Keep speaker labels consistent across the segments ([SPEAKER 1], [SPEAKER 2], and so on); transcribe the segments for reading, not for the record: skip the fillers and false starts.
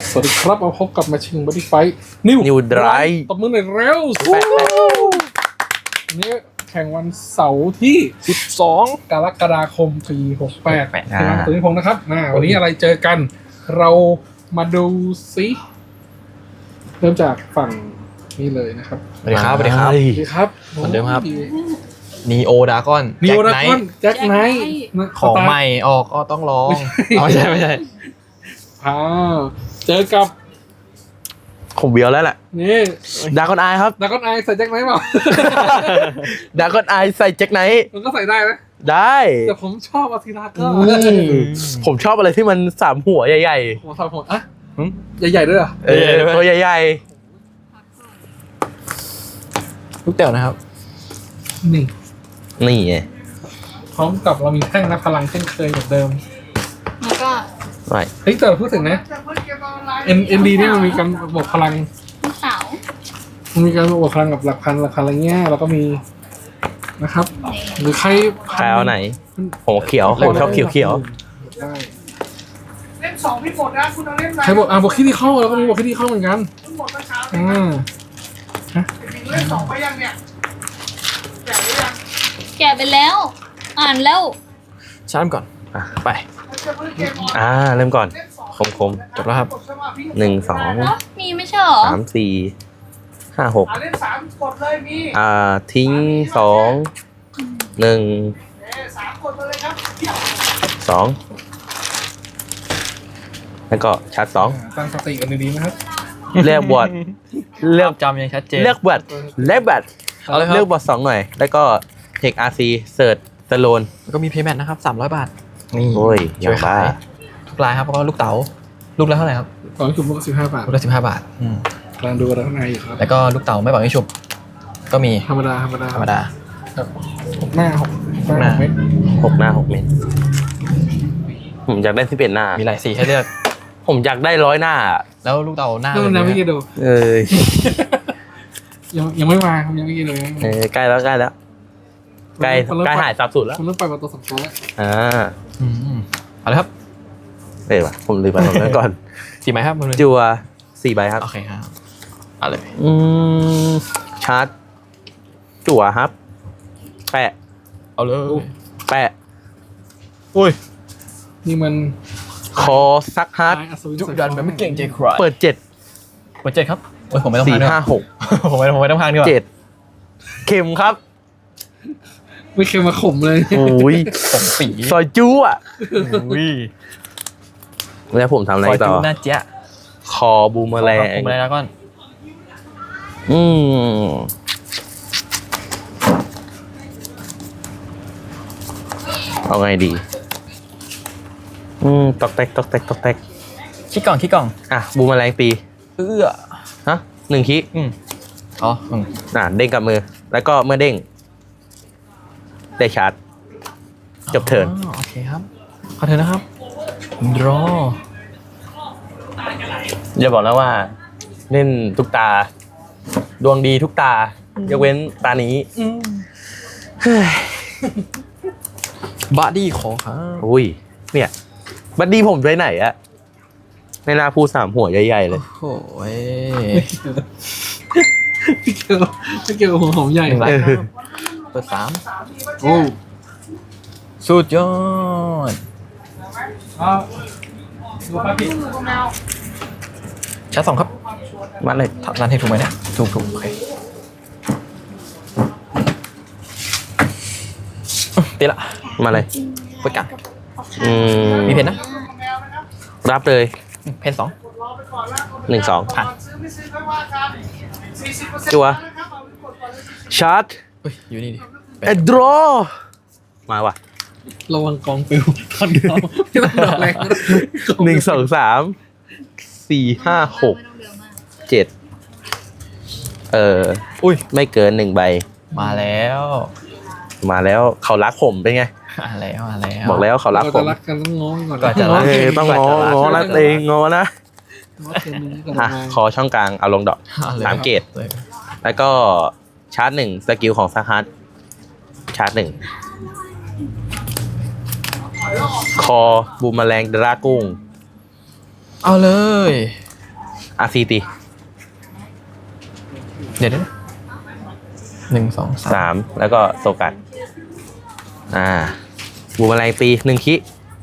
[SPEAKER 1] สวัสดีครับมาพบกับมาชิงบอดี้ไฟนิวไดรตบมือหน่อยเร็วนี่แข่งวันเสาร์ที่12กรกฎาคมปี68ที่ร้านตุ้ยพงศ์นะครับวันนี้อะไรเจอกันเรามาดูซิเริ่มจากฝั่งนี้เลยนะครับ
[SPEAKER 2] สวัสดีครับสวัสดีครับ
[SPEAKER 1] สวัสดีครับ
[SPEAKER 2] เหมือนเดิมครับ นีโอดากอน
[SPEAKER 1] นิวดากอนแจ็คไนท์
[SPEAKER 2] ของใหม่ออกก็ต้องลองไม่ใช่
[SPEAKER 1] เจอกับ
[SPEAKER 3] ผมเบียวแล้วแหละ
[SPEAKER 1] นี่
[SPEAKER 3] ดากอนไอครับ
[SPEAKER 1] ดากอนไอใส่แจ็คไนท์เปล่า
[SPEAKER 3] ดากอนไอใส่แจ็คไนท์
[SPEAKER 1] มันก็ใส่ได้นะ
[SPEAKER 3] ได้
[SPEAKER 1] แต่ผมชอบอาทิราก็
[SPEAKER 3] ผมชอบอะไรที่มันสามหัวใหญ่
[SPEAKER 1] ๆหัวสามหัวอะใหญ่ๆด้วยเหรอ
[SPEAKER 3] ตัวใหญ่
[SPEAKER 2] ๆลูกเต๋อนะครับ
[SPEAKER 1] นี่
[SPEAKER 3] ไง
[SPEAKER 1] พร้อมกับเรามีแท่งนับพลังเช่นเคยเหมือนเดิม
[SPEAKER 4] แล้วก็
[SPEAKER 3] ไม่
[SPEAKER 1] เฮ้ยแต่พูดถึงนะ ND นี่มันมีการบวกพลัง
[SPEAKER 4] ลูกสาว
[SPEAKER 1] มันมีการบวกพลังกับหลักพันอะไรเงี้ยแล้วก็มีนะครับหรือใคร
[SPEAKER 3] เอาไหนผมเขียวผมชอบเขียว
[SPEAKER 5] เล่ม2พี่หมดนะคุณเอาเล่มไหน
[SPEAKER 1] ใครบอกบวกคิดที่เข้าแล้วก็มีบวกคิดที่เข้าเหมือนกัน
[SPEAKER 5] หมดเมื่อเช้าเล่ม2ไปยังเนี่ยแกะหรือยัง
[SPEAKER 4] แกะไปแล้วอ่านแล้ว
[SPEAKER 2] ชาร์จก่อนไป
[SPEAKER 3] เริ่มก่อนคม
[SPEAKER 2] จบแล้วครับ
[SPEAKER 3] 1 2
[SPEAKER 4] มีไม่ใช่หรอ
[SPEAKER 3] 3 4 5 6
[SPEAKER 5] เล่ม3กดเลยมี
[SPEAKER 3] ทิ้ง2 1
[SPEAKER 5] 3กดมาเลยครับ
[SPEAKER 3] 2แล้วก็ชาร์จ
[SPEAKER 1] ตั้งสติกันดีๆนะครับ
[SPEAKER 3] เลือกบอร์ด
[SPEAKER 2] เลือกจำยังชัดเจน
[SPEAKER 3] เลือกบอร์ดเลือกบอร์ด2หน่อยแล้วก็เทค RC เสิร์ชสโลน
[SPEAKER 2] แล้วก็มีเพย์แมทนะครับ300 บาทนี่
[SPEAKER 3] โอ้ย
[SPEAKER 2] ช่วยขายทุกรายครับแล้วก็ลูกเต๋าลูกละเท่าไหร่ครับ
[SPEAKER 1] ตอนนี้ชุบลูก15 บาท
[SPEAKER 2] ลูกละ15 บาท
[SPEAKER 1] กำลังดูกันข้างในอยู่ครับ
[SPEAKER 2] แล้วก็ลูกเต๋าไม่บอกให้ชุบก็มี
[SPEAKER 1] ธรรมดา6 หน้า 6 เม็ด
[SPEAKER 3] 6 หน้า 6 เม็ดผมอยากได้11 หน้า
[SPEAKER 2] มีหลายสีให้เลือก
[SPEAKER 3] ผมอยากได้100 หน้า
[SPEAKER 2] แล้วลูกเต๋าหน้า
[SPEAKER 1] ยังไม่กี่ดูยังไม่มายังไม่กี่เลย
[SPEAKER 3] ใกล้แล้วใกล้หายสับสุดแล้ว
[SPEAKER 1] คุณเริ่มไปประตูสำคัญแล้ว
[SPEAKER 2] เอาเลยครับ
[SPEAKER 3] ว่ะผมลืมไปตรงนั้นก่อน
[SPEAKER 2] 4 ใบครับ
[SPEAKER 3] จัว4 ใบครับ
[SPEAKER 2] โอเคครับเอาเลย
[SPEAKER 3] ชาร์จจั่วครับแปะ
[SPEAKER 2] เอาเลย
[SPEAKER 3] แปะ
[SPEAKER 2] อุ้ย
[SPEAKER 1] นี่มัน
[SPEAKER 3] คอซักฮาร์ด
[SPEAKER 2] จุดันแบบไม่เก่งใจใคร
[SPEAKER 3] เปิด
[SPEAKER 2] 7ครับโอ้ยผมไม่ต้อง
[SPEAKER 3] 4 5 6
[SPEAKER 2] ผมไม่ต้องพังดีกว่า
[SPEAKER 3] 7เข็มครับ
[SPEAKER 1] ไม่เคยมาข่มเลย
[SPEAKER 3] โอ้ย
[SPEAKER 2] ปี
[SPEAKER 3] ซอยจู้อ่ะแล้วผมทำอะไรต่อ
[SPEAKER 2] น่าเจ๊ะ
[SPEAKER 3] คอบูมแมลง
[SPEAKER 2] แล้วก่อน
[SPEAKER 3] เอาไงดีตอกแตก
[SPEAKER 2] ขี้กล่อง
[SPEAKER 3] บูมแมลงตีฮะ1 ขี้เด้งกับมือแล้วก็เมื่อเด้งได้ชาร์จจบเทิร์น
[SPEAKER 2] โอเคครับขอเทิร์นนะครับรอ
[SPEAKER 3] อย่าบอกนะว่าเล่นทุกตาดวงดีทุกตายกเว้นตานี้
[SPEAKER 2] บัดดี้ขอครับ
[SPEAKER 3] อุ้ยเนี่ยบัดดี้ผมไปไหนอะในนาพู3 หัวใหญ่ๆเลย
[SPEAKER 2] โอ้ย
[SPEAKER 1] ไม่เกี่ยวกับหัวหอมใหญ่
[SPEAKER 2] เปิด
[SPEAKER 1] 3โอ้
[SPEAKER 2] สุดยอดชาร์จ2ครับ
[SPEAKER 3] มาเลย
[SPEAKER 2] ร้านให้ถูกไหมเนี่ยถูกโอเคตีละ
[SPEAKER 3] มาเลย
[SPEAKER 2] เปิดกันมีเพนนะ
[SPEAKER 3] รับเลย
[SPEAKER 2] เพน
[SPEAKER 3] 2 1 2ผ่านจัวชาร์จ
[SPEAKER 2] อยู่นี่ดิ
[SPEAKER 3] แอดดรอมาว่ะ
[SPEAKER 1] ระวังกองปิวคนเดียวไม่ต้องดอกแรง
[SPEAKER 3] 1 2 3 4 5 6 7ไม่เกิน1 ใบ
[SPEAKER 2] มาแล้ว
[SPEAKER 3] เขารักผมเป็นไง
[SPEAKER 2] แล้ว
[SPEAKER 3] บอกแล้วเขารักผม
[SPEAKER 1] รักกันต้องง้อก่อน
[SPEAKER 3] ต้องง้อรักเองง้อนะขอช่องกลางเอาลงดอก3 เกตแล้วก็ชาร์จ1สกิลของซักฮาร์ดชาร์จ1คอบูมแมลงดรากุ้ง
[SPEAKER 2] เอาเลย
[SPEAKER 3] RC ตี
[SPEAKER 2] เดี๋ยวหนึ่งสองสาม
[SPEAKER 3] 3แล้วก็โซกัดบูมแมลงตี1คิ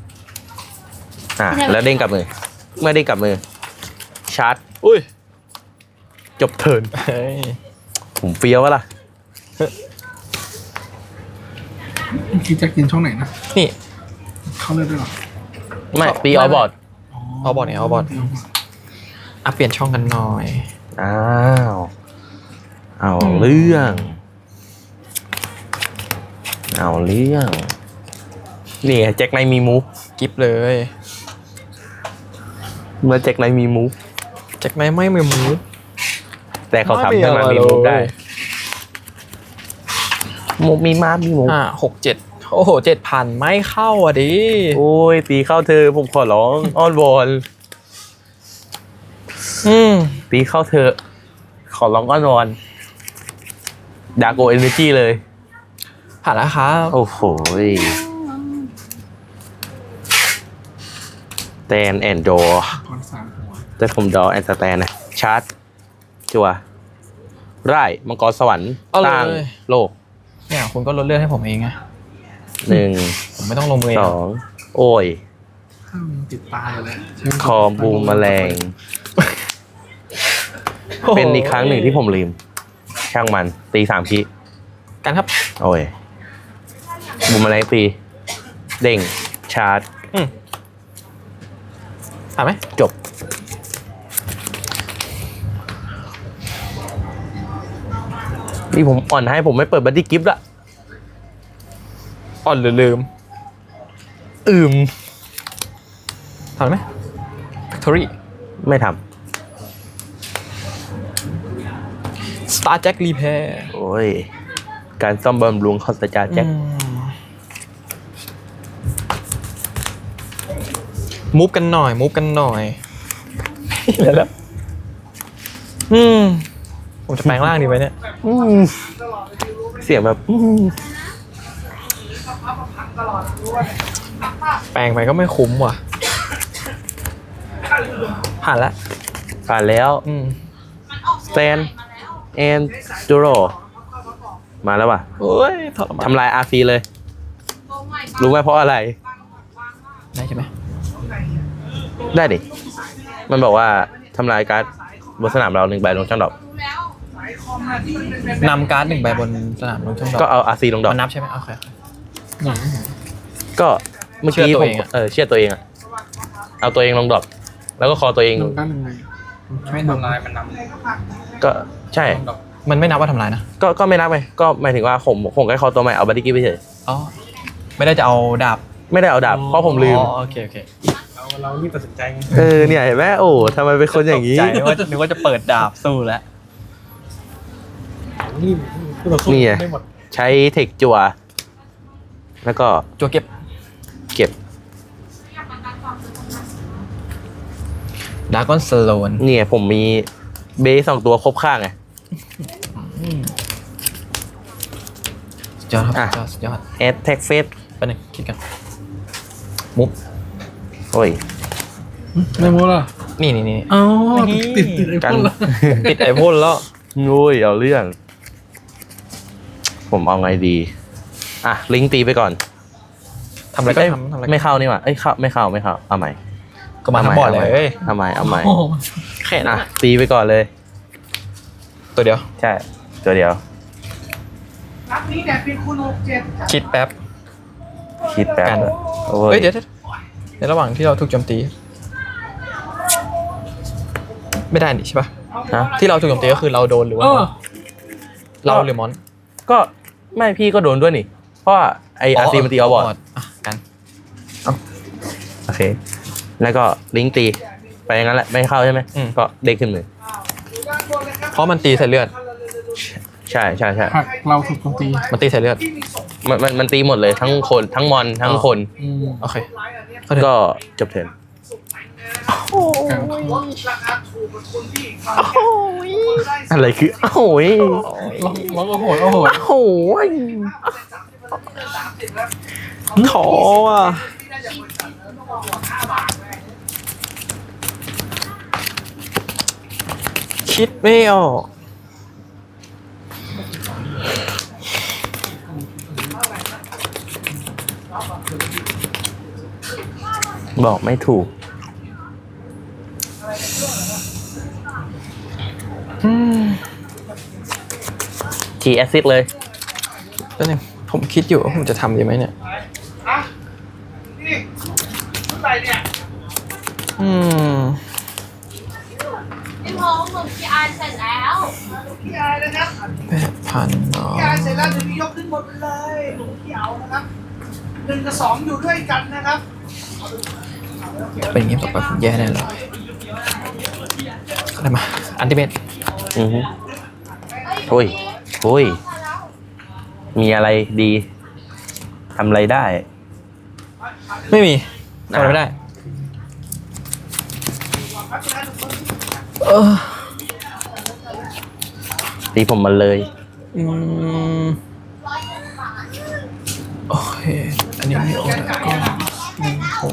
[SPEAKER 3] แล้วเด้งกลับมือ เมื่อเด้งกลับมือ ชาร์จ
[SPEAKER 2] อุ้ย
[SPEAKER 3] จบเทิร์น
[SPEAKER 2] เฮ้ย
[SPEAKER 3] ผมเฟี้ยววะล่ะ
[SPEAKER 1] คิดจะกินช่องไหนนะ
[SPEAKER 2] นี่
[SPEAKER 1] เข้าเลือดด้วยหรอ
[SPEAKER 3] ไม่ตีออบอร์ด
[SPEAKER 2] เอาบอร์ดเนี่ยเอาบอร์ดอ่ะเปลี่ยนช่องกันหน่อย
[SPEAKER 3] อ้าวเอาเรื่องนี่ไงแจ็คไนท์มีมูฟ
[SPEAKER 2] กิฟเลย
[SPEAKER 3] เมื่อแจ็คไนท์มีมูฟ
[SPEAKER 2] จากไหนไม่มีมูฟ
[SPEAKER 3] แต่เขาทำ
[SPEAKER 2] ไม่มี
[SPEAKER 3] ให้มัน
[SPEAKER 2] อะไร
[SPEAKER 3] มีมูฟได้
[SPEAKER 2] เลย
[SPEAKER 3] มูฟมีมามีมูฟ
[SPEAKER 2] 6 7โอ้โห7,000ไม่เข้าอ่ะดิ
[SPEAKER 3] โอ้ยตีเข้าเธอผมขอร้องอ้อนวอน ตีเข้าเธอขอร้องอ้อนวอนดาโกเอเนจีเลย
[SPEAKER 2] ผ่านแล้วครับ
[SPEAKER 3] โอ้โหแตนแอนด์ดอ
[SPEAKER 1] ถอน3หัว
[SPEAKER 3] แต่ผมดอแอนด์สแตนนะชาร์จจัวไร่มังกรสวรรค์
[SPEAKER 2] เอา
[SPEAKER 3] ส
[SPEAKER 2] เล
[SPEAKER 3] ร้าง
[SPEAKER 2] ย
[SPEAKER 3] โลก
[SPEAKER 2] เนี่ยคุณก็ลดเลือดให้ผมเองไง
[SPEAKER 3] 1
[SPEAKER 2] ผมไม่ต้องลงมือเอง
[SPEAKER 3] 2 โอ้ย
[SPEAKER 1] ถ้ามันติดตายเลย
[SPEAKER 3] คอบูมแมลง เป็นอีกครั้งหนึ่งที่ผมลืม ช่างมันตี3 คี
[SPEAKER 2] กันครับ
[SPEAKER 3] โอ้ยบูมแมลงตีเด้งชาร์จ
[SPEAKER 2] ผ่านไหม
[SPEAKER 3] จบนี่ผมอ่อนให้ผมไม่เปิดบัดดี้กิฟต์ละ
[SPEAKER 2] อ่อนหรือลืม ผ่านไหม Factory
[SPEAKER 3] ไม่ท
[SPEAKER 2] Star Jack Repair
[SPEAKER 3] ำโอ้ย การซ่อมบำรุงคอสจาแจ็ค
[SPEAKER 2] มูฟกันหน่อยแล้วผมจะแปลงร่างดีไหมเนี่ย
[SPEAKER 3] เสียงแบบ
[SPEAKER 2] แปลงไปก็ไม่คุ้มว่ะ ผ่านแล้ว
[SPEAKER 3] ผ่านแล้วสแตนแอนจูโรมาแล้วว่ะ
[SPEAKER 2] โอ้ยทรมาน
[SPEAKER 3] ทำลายอาร์ฟีเลย รู้ไหมเพราะอะไร
[SPEAKER 2] ได้ใช่ไหม
[SPEAKER 3] ได้ดิ มันบอกว่าทำลายการ์ดบนสนามเรา1 ใบลงช่องดอก
[SPEAKER 2] นำการ์ด1 ใบบนสนามลงช่องดอก
[SPEAKER 3] ก็เอาอาร์ซีลงดอก
[SPEAKER 2] มันนับใช่ไหมโอเค
[SPEAKER 3] ก็เมื่อกี้
[SPEAKER 2] เชื่อตัว
[SPEAKER 3] ผม
[SPEAKER 2] เองอะ
[SPEAKER 3] เชื่อตัวเองอะเอาตัวเองลงดอก แล้วก็คอตัวเอง
[SPEAKER 1] ลงด้านยังไง
[SPEAKER 5] ไม่ทำลายมันน
[SPEAKER 3] ก็ใช่
[SPEAKER 2] มันไม่นับว่าทำลายนะ
[SPEAKER 3] ก็ไม่นับไปก็หมายถึงว่าผมแค่คอตัวใหม่เอาบัดดี้กิฟต์ไปเฉย
[SPEAKER 2] อ๋อ ไม่ได้จะเอาดาบ
[SPEAKER 3] ไม่ได้เอาดาบเพราะผมลืม
[SPEAKER 2] อ๋อโอเค
[SPEAKER 5] เรารีบตัดสินใจไง
[SPEAKER 3] เนี่ยเห็นไหมโอ้ทำไมเป็นคนอย่างนี้
[SPEAKER 2] ใจนึกว่าจะเปิดดาบสู้แล้ว
[SPEAKER 1] รีบคือเราสู้
[SPEAKER 3] นี่ไง
[SPEAKER 1] ไม่หมด
[SPEAKER 3] ใช้เทคจัว แล้วก็
[SPEAKER 2] จัวเก็บ
[SPEAKER 3] เก็บ
[SPEAKER 2] ดากอนสโลน
[SPEAKER 3] เนี่ยผมมีเบส2 ตัวครบข้างไง
[SPEAKER 2] สุดยอดครับ
[SPEAKER 3] อ่ะ
[SPEAKER 2] สุดยอด
[SPEAKER 3] แอดแท็กเฟส
[SPEAKER 2] ไปหนึ่งคิดกันมุฟ
[SPEAKER 3] โอ้ย
[SPEAKER 1] ไม่หมดล่ะ
[SPEAKER 2] นี่
[SPEAKER 1] อ๋อติดไอ้
[SPEAKER 3] กั
[SPEAKER 1] พ
[SPEAKER 3] น
[SPEAKER 1] วกละ
[SPEAKER 2] ติดไอพ่นแล้ว
[SPEAKER 3] โอ้ยเอาเรื่อง ผมเอาไงดี ลิงก์ตีไปก่อน
[SPEAKER 2] ทำอะไรก็
[SPEAKER 3] เอ้ย
[SPEAKER 2] ทำอะไร
[SPEAKER 3] ไม่เข้านี่หว่าเอ้ยเข้าไม่เข้าเอาใหม่
[SPEAKER 2] ก็มาทั้งบอร์ดเลย
[SPEAKER 3] เอาใหม่เอาใหม่
[SPEAKER 1] โอ้โห
[SPEAKER 2] แค่นั้น
[SPEAKER 3] ตีไปก่อนเลย
[SPEAKER 2] ตัวเดียว
[SPEAKER 3] ใช่ตัวเดียว
[SPEAKER 5] นัดนี้เนี่ยเป็นคุณ67
[SPEAKER 2] คิดแป๊บ
[SPEAKER 3] คิดแป๊บ
[SPEAKER 2] กัน
[SPEAKER 3] โอ้
[SPEAKER 2] เฮ้
[SPEAKER 3] ย
[SPEAKER 2] ยเดี๋ยวในระหว่างที่เราถูกโจมตี ไม่ได้นี่ใช่ปะ
[SPEAKER 3] ฮะ
[SPEAKER 2] ที่เราถูกโจมตีก็คือเราโดนหรือว่า เราหรือมอน
[SPEAKER 3] ก็ไม่พี่ก็โดนด้วยนี่ เพราะว่าไออาร์ซีมันตีเอาบอร์ด
[SPEAKER 2] อ่ะกัน
[SPEAKER 3] โอเค แล้วก็ลิงก์ตีไปอย่างนั้นแหละไม่เข้าใช่ไหมก็เด้งขึ้นมือ
[SPEAKER 2] เพราะมันตีใส่เลือด
[SPEAKER 3] ใช่
[SPEAKER 1] หักเราถูกโจมตี
[SPEAKER 2] มันตีใส่เลือด
[SPEAKER 3] มันตีหมดเลยทั้งคนทั้งมอนทั้งคน
[SPEAKER 2] โอเค
[SPEAKER 3] ก็จบเทิร์น
[SPEAKER 1] กลาง
[SPEAKER 5] ราคาถูกกว่าคนที่
[SPEAKER 3] อะไรคือโอ้ย
[SPEAKER 1] ร้องโอ้โหโอ้โห
[SPEAKER 3] โอ้ย
[SPEAKER 2] ขออ่ะคิดไม่ออก
[SPEAKER 3] บอกไม่ถูก ทีแอซิดเลย
[SPEAKER 2] ก็เนี่ยผมคิดอยู่ว่าผมจะทำดีไหมเนี่ย
[SPEAKER 5] อ่ะนี่เท่าไหร่เนี่ย
[SPEAKER 4] พี่พงษ์หมึกพี่อายเสร็จแล้ว
[SPEAKER 5] พี่อายนะครับ
[SPEAKER 2] 8,000เนาะ
[SPEAKER 5] พี่อายเสร็จแล้วเดี๋ยวพี่ยกขึ้นหมดเลยหลวงพี่เอานะครับ1 กับ 2อยู่ด้วยกันนะครับ
[SPEAKER 2] เป็นอย่างนี้ต่อไปผมแย่แน่เลยอะไรมา อันติเมต
[SPEAKER 3] อือฮึโอ้ยโอ้ย มีอะไรดีทำอะไรได้
[SPEAKER 2] ไม่มีทำอะไรไม่ได้
[SPEAKER 3] ตีผมมาเลย
[SPEAKER 2] อืมโอเค อันนี้ไม่โอนแล้วก็16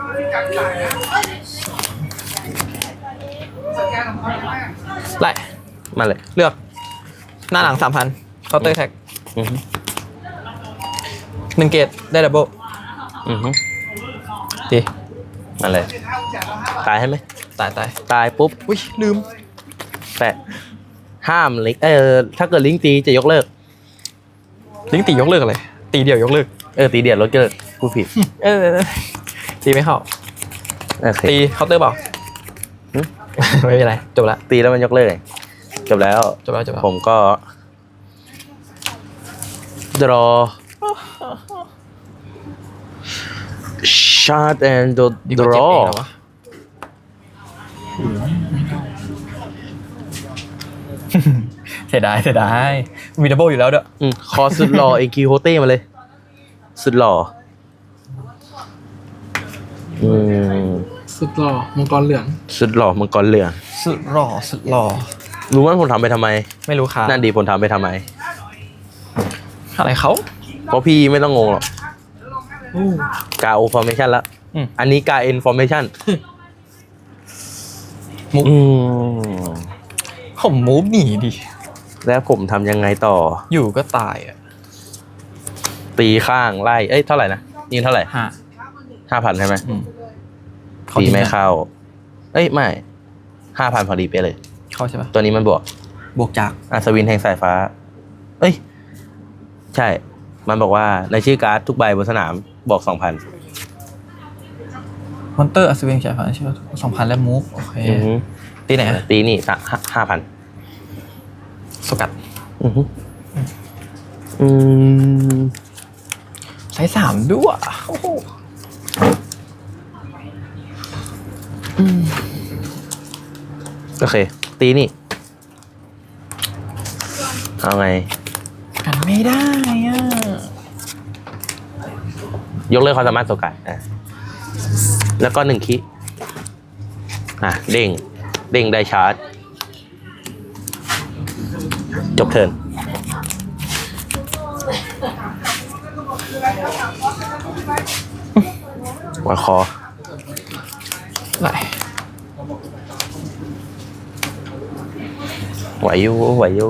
[SPEAKER 2] ไล่
[SPEAKER 3] มาเลย
[SPEAKER 2] เลือก หน้าหลัง 3,000 เคาน์เตอร์แท็ก
[SPEAKER 3] อือฮึ
[SPEAKER 2] 1 เกตได้ดับเบิล
[SPEAKER 3] อือฮึ
[SPEAKER 2] ดี
[SPEAKER 3] มาเลย ตายใช่ไหม
[SPEAKER 2] ตาย
[SPEAKER 3] ตายปุ๊บ
[SPEAKER 2] อุ้ย ลืม
[SPEAKER 3] แต่ห้ามลิงก์ถ้าเกิดลิงก์ตีจะยกเลิก
[SPEAKER 2] ลิงก์ตียกเลิกอะไร ตีเดียวยกเลิก
[SPEAKER 3] ตีเดียดลดเกิดผู้ผิด
[SPEAKER 2] ตีไม่เข้า
[SPEAKER 3] โอเค
[SPEAKER 2] ตีเคาน์เตอร์เปล่า
[SPEAKER 3] หึ
[SPEAKER 2] ไม่เป็นไร จบละ
[SPEAKER 3] ตีแล้วมันยกเลิกไงจบแล้ว
[SPEAKER 2] จบแล้ว
[SPEAKER 3] ผมก็ draw shard and
[SPEAKER 2] ดีกว่าเจ็บเอง
[SPEAKER 3] draw
[SPEAKER 2] เหรอวะ เสียดายมีดับเบิลอยู่แล้วเด้อ
[SPEAKER 3] คอสุดหล่อ เอกิโฮเต้มาเลย สุดหล่อ
[SPEAKER 1] สุดหล่อมังกรเหลือง
[SPEAKER 3] สุดหล่อมังกรเหลือง
[SPEAKER 2] สุดหล่อ
[SPEAKER 3] รู้ว่าผมทำไปทำไม
[SPEAKER 2] ไม่รู้ค่ะ
[SPEAKER 3] นั่นดีผมทำไปทำไม
[SPEAKER 2] อะไรเขา
[SPEAKER 3] เพราะพี่ไม่ต้องงงหรอกกาโอฟอร์เมชันละ อันนี้กาเอ็นฟอร์เมชัน
[SPEAKER 2] มุกผมมูฟหนีดิ
[SPEAKER 3] แล้วผมทำยังไงต่อ
[SPEAKER 2] อยู่ก็ตายอ่ะ
[SPEAKER 3] ตีข้างไล่ เท่าไหร่นะยิงเท่าไหร่ 5,000ใช่ไหม ตีไม่เข้า ไม่5,000พอดีไปเลย
[SPEAKER 2] เข้าใช่ปะ
[SPEAKER 3] ตัวนี้มันบวก
[SPEAKER 2] บวกจาก
[SPEAKER 3] อัศวินแห่งสายฟ้า ใช่ มันบอกว่าในชื่อการ์ดทุกใบบนสนามบอก 2,000
[SPEAKER 2] มอนเตอร์อัศวินใช่ปะใช่ปะ2,000 แล้วมูฟโอเค ตีไหนอะ
[SPEAKER 3] ตีนี่5,000
[SPEAKER 2] สกัด ไซส์3ด้วยโอ้โห
[SPEAKER 3] โอเค ตีนี่ เอาไง
[SPEAKER 2] กันไม่ได้อ่ะ
[SPEAKER 3] ยกเลิกความสามารถโซกะแล้วก็1 คิเด้งได้ชาร์จ จบเทิร์นวางคอ
[SPEAKER 2] ไหล
[SPEAKER 3] ไหวอยู่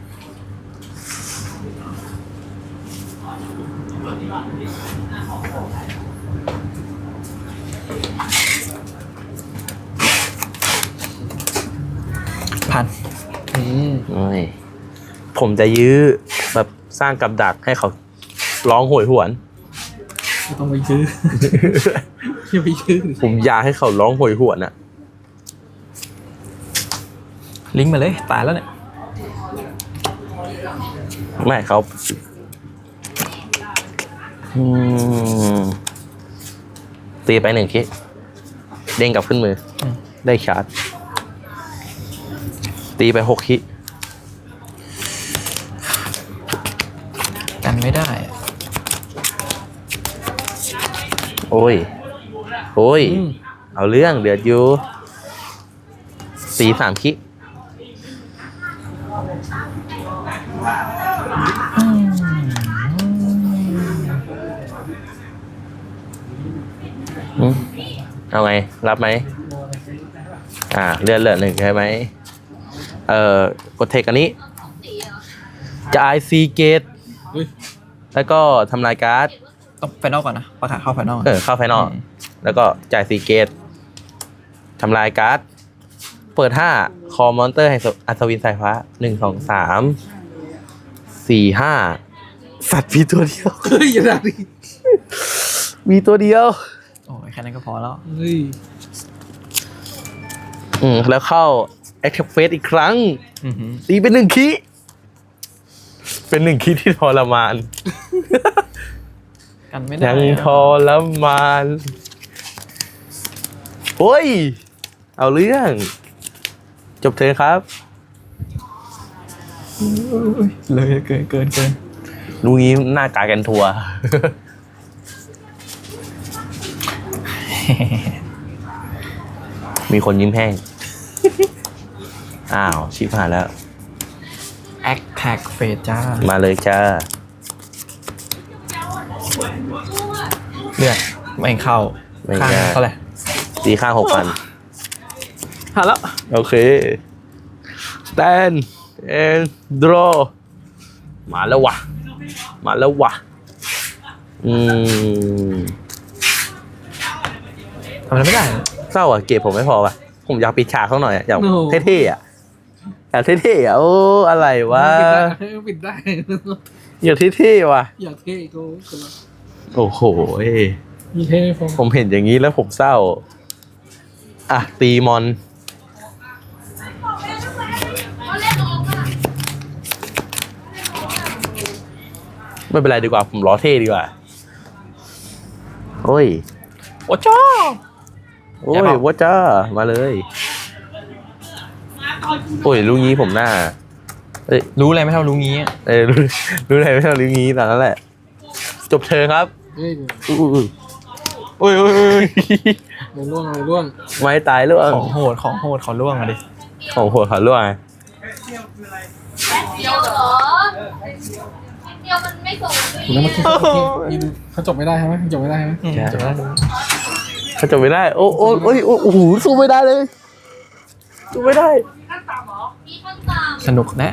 [SPEAKER 3] ผมจะยื้อแบบสร้างกับดักให้เขาร้องโหยหวน
[SPEAKER 1] ไม่ต้องไปซื้อ อย่าไปซื้อ
[SPEAKER 3] ผมอยากให้เขาร้องโหยหวนอะ
[SPEAKER 2] ลิงก์มาเลย ตายแล้วเนี่ย
[SPEAKER 3] ไม่เขาตีไป1 คิเด้งกลับขึ้นมือ ได้ชาร์จ ตีไป6 คิ
[SPEAKER 2] กันไม่ได้อะ
[SPEAKER 3] โอ้ย เอาเรื่องเดือดอยู่ตี3 คิเอาไง รับไหมเลือดเหลือ1ใช่ไหมกดเทคอันนี้จ่าย4 เกต
[SPEAKER 1] เฮ้ย
[SPEAKER 3] แล้วก็ทำลายการ์ด
[SPEAKER 2] ต้องไฟนอลก่อนนะประกาศเข้าไฟนอล
[SPEAKER 3] เข้าไฟนอลแล้วก็จ่าย4 เกตทำลายการ์ดเปิด5คอมอนเตอร์ให้อัศวินสายฟ้า1 2 3 4 5สัตว์มีตัวเดียว
[SPEAKER 1] เฮ้ยอย่าด่าดิ
[SPEAKER 3] มีตัวเดียว
[SPEAKER 2] โอ้ยแค่นั้นก็พอแล้ว
[SPEAKER 1] เฮ้ย
[SPEAKER 3] แล้วเข้า Active Phase อีกครั้ง
[SPEAKER 2] อือหือ
[SPEAKER 3] ตีเป็น1 คีย์เป็น1 คีย์ที่ทรมาน
[SPEAKER 2] กันไม่ได้
[SPEAKER 3] ยังทรมานโอ้ย เอาเรื่อง จบเทิร์นครับ
[SPEAKER 2] เลยเกิน
[SPEAKER 3] ดูงี้หน้ากากันทัวร์ มีคนยิ้มแห้ง อ้าว ชิบหายแล้ว
[SPEAKER 2] แอคแท็กเฟสจ้า
[SPEAKER 3] มาเลยจ้า
[SPEAKER 2] เลือดไม่เข้า
[SPEAKER 3] ไม่
[SPEAKER 2] ข้าง
[SPEAKER 3] ได้
[SPEAKER 2] เท่าไหร่
[SPEAKER 3] ตีข้าง 6,000
[SPEAKER 2] หาแล้ว
[SPEAKER 3] โอเค stand and draw มาแล้ววะ มาแล้ววะ
[SPEAKER 2] ทำอะไรไม่ได้
[SPEAKER 3] เศร้าอ่ะ เก็บผมไม่พอว่ะ ผมอยากปิดฉากเขาหน่อยอ่ะ อยากเท่ๆอ่ะ อยากเท่ๆอ่ะ โอ้ อะไรวะ
[SPEAKER 1] ปิดได้
[SPEAKER 3] อยากเท่ๆว่ะ
[SPEAKER 1] อยากเท่กู
[SPEAKER 3] โอ้โห
[SPEAKER 1] มีเท่ไม่พอ
[SPEAKER 3] ผมเห็นอย่างนี้แล้วผมเศร้า อ่ะ ตีมอน ไม่เป็นไรดีกว่า ผมล้อเท่ดีกว่า โอ้ย
[SPEAKER 2] โอ้จ้า
[SPEAKER 3] โอ้
[SPEAKER 2] อย่าบ
[SPEAKER 3] ย
[SPEAKER 2] อก
[SPEAKER 3] ว่าจ้า มาเลย โอ้ยลูกนี้ผมหน้า เอ้ย
[SPEAKER 2] รู้อะไรไม่เท่ารู้งี้
[SPEAKER 3] รู้อะไรไม่เท่าลูกนี้ตอนนั้นแหละ จบเธอครับ
[SPEAKER 1] เฮ้ย
[SPEAKER 3] อุ้ย
[SPEAKER 2] โอ้ย
[SPEAKER 1] อะไรร่วงอะไรร่วง
[SPEAKER 3] ไม้ตายล่วง
[SPEAKER 2] ของโหดขอล่วงอะดิ
[SPEAKER 3] ของหัวขาล่วง
[SPEAKER 4] เดียวเหรอเดียวมันไม่ส่ง
[SPEAKER 1] แล้วเมื่อกี้เขาจบไม่ได้ใช่ไหมจบไม่ได้ใช่ไหม
[SPEAKER 3] ใช่
[SPEAKER 2] จบแล้ว
[SPEAKER 3] เขาจบไม่ได้ โอ้โหสู้ไม่ได้เลยสู้ไม่ได้
[SPEAKER 4] มีขั้นต่ำ
[SPEAKER 2] สนุกนะ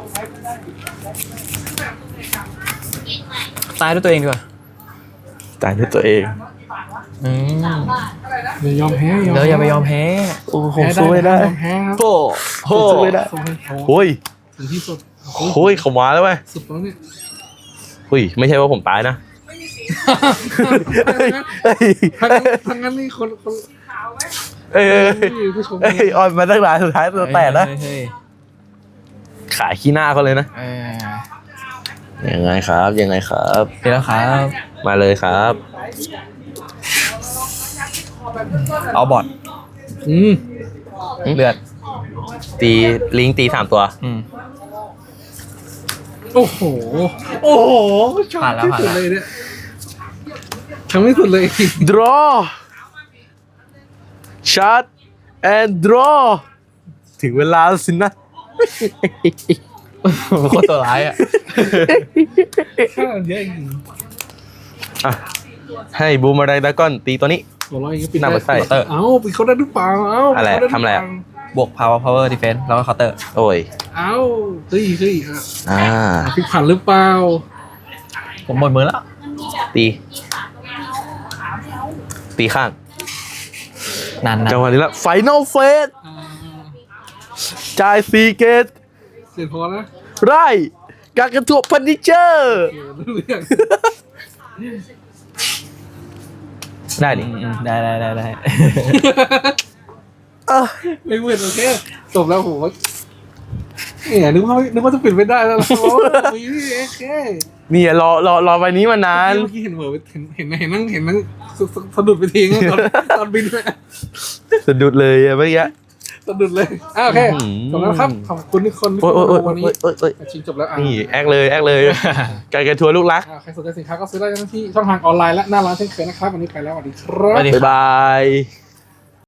[SPEAKER 4] กินไหม
[SPEAKER 2] ตายด้วยตัวเองดีกว่า
[SPEAKER 3] ตายด้วยตัวเอง
[SPEAKER 4] 3 บาท
[SPEAKER 1] อย่ายอมแพ้
[SPEAKER 2] เดี๋ยวอย่าไปยอมแพ้
[SPEAKER 3] โอ้โห
[SPEAKER 1] แพ้
[SPEAKER 3] สู้ไม่ได้
[SPEAKER 1] ยอมแพ้ครับ
[SPEAKER 2] โห
[SPEAKER 3] สู้ไม่ได้
[SPEAKER 1] สู้ให้เขา
[SPEAKER 3] โอ้ย
[SPEAKER 1] ถึงที่สุด
[SPEAKER 3] โอ้ยเขามาแล้วเว้ย
[SPEAKER 1] สุดแล้วเนี่ย
[SPEAKER 3] เฮ้ยไม่ใช่ว่าผมตายนะ
[SPEAKER 1] ทั้งนั้นนี่คน
[SPEAKER 3] เอ้ย
[SPEAKER 1] ผู้ชม
[SPEAKER 3] ออนมาตั้งนานสุดท้ายตัวแตกนะ
[SPEAKER 2] เฮ้ย
[SPEAKER 3] ขายขี้หน้าเขาเลยนะ ยังไงครับ ยังไงครับ
[SPEAKER 2] เดี๋ยวแล้วครับ
[SPEAKER 3] มาเลยครับ
[SPEAKER 2] เอาบอด
[SPEAKER 1] อืม
[SPEAKER 2] เลือด
[SPEAKER 3] ตีลิงตี3 ตัว
[SPEAKER 1] โอ้โหชอบที่สุดเลยเนี่ยทำที่สุดเลย
[SPEAKER 3] draw shot and draw ถึงเวลาแล้วสินะ
[SPEAKER 2] โคตรตัวร้ายอ่ะ
[SPEAKER 1] ข้าวเยอะจริง
[SPEAKER 3] อ่ะให้บูมอะไรดากอนตีตัวนี้
[SPEAKER 1] หัวเราะอย่างนี้ปิด
[SPEAKER 3] หน้า
[SPEAKER 1] ได้
[SPEAKER 3] บัตไส้
[SPEAKER 1] เอ้าปิดเขาได้หรือเปล่าเอ้า
[SPEAKER 3] อะไร
[SPEAKER 1] ปิดเขาด้ห
[SPEAKER 3] ทำอะไรอะ
[SPEAKER 2] บวก power defense แล้วก็ counter
[SPEAKER 3] โอ้ย
[SPEAKER 1] เอ้าเฮ้ย
[SPEAKER 3] อ่
[SPEAKER 1] อ่ะ
[SPEAKER 3] า
[SPEAKER 1] พลิกผันหรือเปล่า
[SPEAKER 2] ผมหมดมือแล้ว
[SPEAKER 3] ตีข้าง
[SPEAKER 2] นาน
[SPEAKER 3] จังหวะนี้ละ final phase จ่าย4 เกต
[SPEAKER 1] เสร็จพอนะ
[SPEAKER 3] ไร่การกระทบพันนิเจอร์
[SPEAKER 1] เรื่อง
[SPEAKER 3] ได้ดิ
[SPEAKER 2] ได้
[SPEAKER 1] ไม่เหมือนโอเคจบแล้วผมว่าเนี่ยนึกว่าจะปิดไม่ได้แล้วโอ้ยโอเค
[SPEAKER 3] นี่รอใบนี้มานาน
[SPEAKER 1] เมื่อกี้เห็นเหมือนเห็นนั่งสะดุดไปทีนึงตอนบินเลย
[SPEAKER 3] สะดุดเลยอะเมื่อกี้
[SPEAKER 1] สะดุดเลยโอเคจบแล้วครับขอบคุณทุกคนที่
[SPEAKER 3] โอ้ย
[SPEAKER 1] วันนี้ ชิงจบแล้ว
[SPEAKER 3] นี่แอคเลยการกระทัวร์ลูกรัก
[SPEAKER 1] ใครสนใจสินค้าก็ซื้อได้ที่ช่องทางออนไลน์และหน้าร้านเช่นเคยนะครับวันนี้ไปแล้วสวัสดีครับ
[SPEAKER 2] สวัสดี
[SPEAKER 3] บ๊ายบาย